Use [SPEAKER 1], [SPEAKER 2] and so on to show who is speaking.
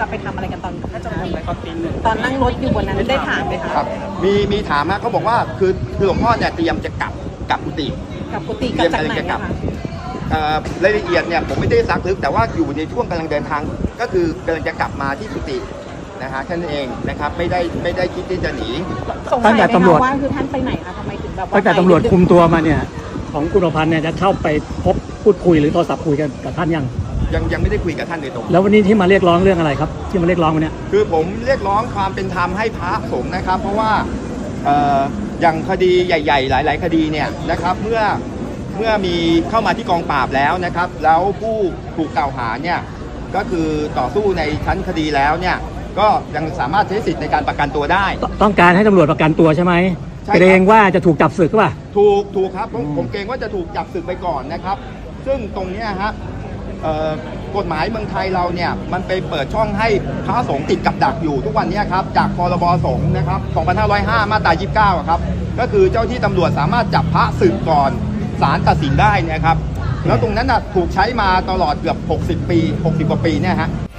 [SPEAKER 1] จะไปทำอะไรกันตอนตอนนั่งรถอยู่บนนั้นได้ถามไหมคะ
[SPEAKER 2] ครับมีถามนะเขาบอกว่าคือหลวงพ่อเนี่ยเตรียมจะกลับกุฏิ
[SPEAKER 1] กับกุฏิกลับจากไหนอะคะ
[SPEAKER 2] รายละเอียดเนี่ยผมไม่ได้ซักลึกแต่ว่าอยู่ในช่วงกำลังเดินทางก็คือกำลังจะกลับมาที่กุฏินะฮะท่านเองนะครับไม่ได้คิดที่จะหนี
[SPEAKER 1] สงสัยไหมคะว่าคือท่านไปไหนคะทำไมถึงแบบว่า
[SPEAKER 3] ตั้งแต่ตำรวจคุมตัวมาเนี่ยของคุณประพันธ์เนี่ยจะเข้าไปพบพูดคุยหรือโทรศัพท์คุยกันกับท่าน
[SPEAKER 2] ยังไม่ได้คุยกับท่านโดยตรง
[SPEAKER 3] แล้ววันนี้ที่มาเรียกร้องเรื่องอะไรครับที่มาเรียกร้องวันนี้
[SPEAKER 2] คือผมเรียกร้องความเป็นธรรมให้พระสงฆ์นะครับเพราะว่าอย่างคดีใหญ่ๆหลายๆคดีเนี่ยนะครับเมื่อมีเข้ามาที่กองปราบแล้วนะครับแล้วผู้ถูกกล่าวหาเนี่ยก็คือต่อสู้ในชั้นคดีแล้วเนี่ยก็ยังสามารถใช้สิทธิ์ในการประกันตัวได้
[SPEAKER 3] ต้องการให้ตำรวจประกันตัวใช่ไหมเกรงว่าจะถูกจับศึกหรือเปล่า
[SPEAKER 2] ถูกครับผมเกรงว่าจะถูกจับศึกไปก่อนนะครับซึ่งตรงนี้ฮะกฎหมายเมืองไทยเราเนี่ยมันไปเปิดช่องให้พระสงฆ์ติดกับดักอยู่ทุกวันนี้ครับจากพรบสงฆ์นะครับ2505 มาตรา 29 ครับก็คือเจ้าที่ตำรวจสามารถจับพระศึกก่อนศาลตัดสินได้นะครับแล้วตรงนั้นถูกใช้มาตลอดเกือบ60 ปี 60 กว่าปีเนี่ยฮะ